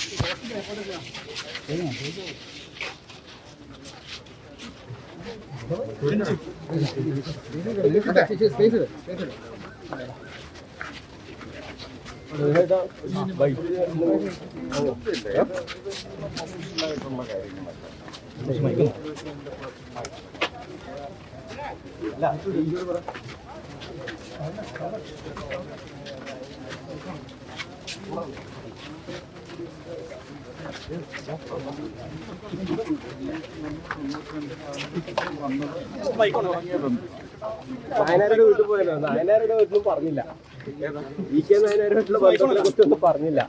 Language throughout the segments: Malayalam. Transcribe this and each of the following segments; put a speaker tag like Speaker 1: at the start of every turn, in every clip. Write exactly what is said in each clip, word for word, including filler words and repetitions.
Speaker 1: നായനാരുടെ വീട്ടിൽ പോയല്ലോ. നായനാരുടെ വീട്ടിലും പറഞ്ഞില്ല. ഇ കെ നായനാരുടെ വീട്ടിലെ ബന്ധത്തിനെ കുറിച്ചൊന്നും പറഞ്ഞില്ല.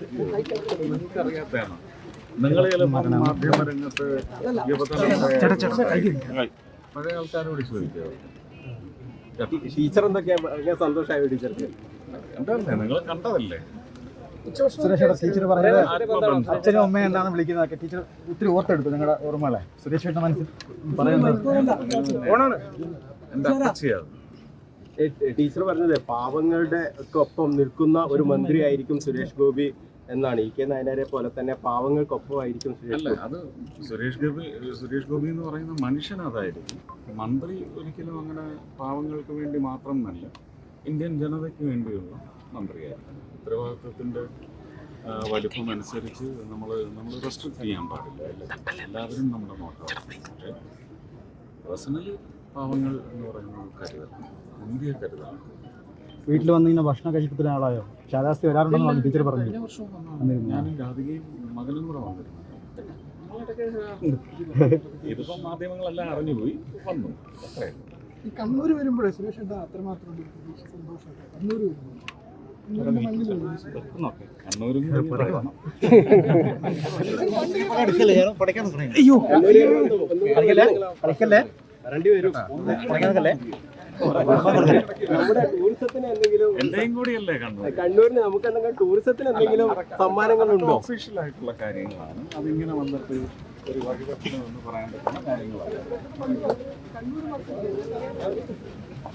Speaker 2: നിങ്ങൾ മാധ്യമ രംഗത്ത് പഴയ ആൾക്കാരോട് ചോദിക്കുക.
Speaker 1: ടീച്ചർ എന്തൊക്കെയാ സന്തോഷമായ ടീച്ചർക്ക്?
Speaker 2: എന്തല്ലേ നിങ്ങൾ കണ്ടതല്ലേ?
Speaker 3: ടീച്ചർ പറഞ്ഞത് അച്ഛനും അമ്മയും എന്താണ് വിളിക്കുന്നതൊക്കെ ടീച്ചർ ഒത്തിരി ഓർത്തെടുത്തു. നിങ്ങളുടെ ഓർമ്മകളെ സുരേഷ് ചേട്ടൻ മനസ്സിൽ പറയുന്നത്
Speaker 2: എന്താ ചെയ്യാം?
Speaker 1: ടീച്ചർ പറഞ്ഞത് പാവങ്ങളുടെ ഒക്കെ ഒപ്പം നിൽക്കുന്ന ഒരു മന്ത്രിയായിരിക്കും സുരേഷ് ഗോപി എന്നാണ്. ഇ കെ നായനാരെ പോലെ തന്നെ പാവങ്ങൾക്കൊപ്പമായിരിക്കും സുരേഷ് ഗോപി.
Speaker 2: അത് സുരേഷ് ഗോപി സുരേഷ് ഗോപി എന്ന് പറയുന്ന മനുഷ്യൻ അതായിരിക്കും. മന്ത്രി ഒരിക്കലും അങ്ങനെ പാവങ്ങൾക്ക് വേണ്ടി മാത്രം നല്ല ഇന്ത്യൻ ജനതയ്ക്ക് വേണ്ടിയുള്ള മന്ത്രിയായിരിക്കും. ഉത്തരവാദിത്വത്തിൻ്റെ വലിപ്പം അനുസരിച്ച് നമ്മൾ നമ്മൾ റെസ്ട്രിക്റ്റ് ചെയ്യാൻ പാടില്ല. എല്ലാവരും നമ്മുടെ നോക്കാം. പക്ഷേ പേഴ്സണലി പാവങ്ങൾ എന്ന് പറയുന്നത് കരുതണം, ഇന്ത്യയെ കരുതണം.
Speaker 3: വീട്ടിൽ വന്ന് ഇങ്ങനെ ഭക്ഷണം കഴിക്കുന്ന ആളായോ? ശാലാസ്തി വരാറുണ്ടെന്ന് ടീച്ചർ പറഞ്ഞു.
Speaker 2: ഞാനും രാധികയും മകനും കൂടെ വന്നിരുന്നു. ഇതിപ്പം മാധ്യമങ്ങളെല്ലാം അറിഞ്ഞുപോയി വന്നു. അത്രയും
Speaker 4: കണ്ണൂർ വരുമ്പോഴേ സുരേഷ് എന്താ അത്രമാത്രം സന്തോഷം? കണ്ണൂർ വരുമ്പോൾ
Speaker 2: കണ്ണൂരും എന്റെയും കൂടിയല്ലേ കണ്ണൂർ.
Speaker 1: കണ്ണൂരിന് നമുക്ക് എന്തെങ്കിലും ടൂറിസത്തിന് എന്തെങ്കിലും സമ്മാനങ്ങളുണ്ടോ?
Speaker 2: ഒഫീഷ്യൽ ആയിട്ടുള്ള കാര്യങ്ങളാണ്. അതിങ്ങനെ വന്നിട്ട് ഒരു വഴിപക്ഷണം എന്ന് പറയാൻ പറ്റുന്ന കാര്യങ്ങളാണ്.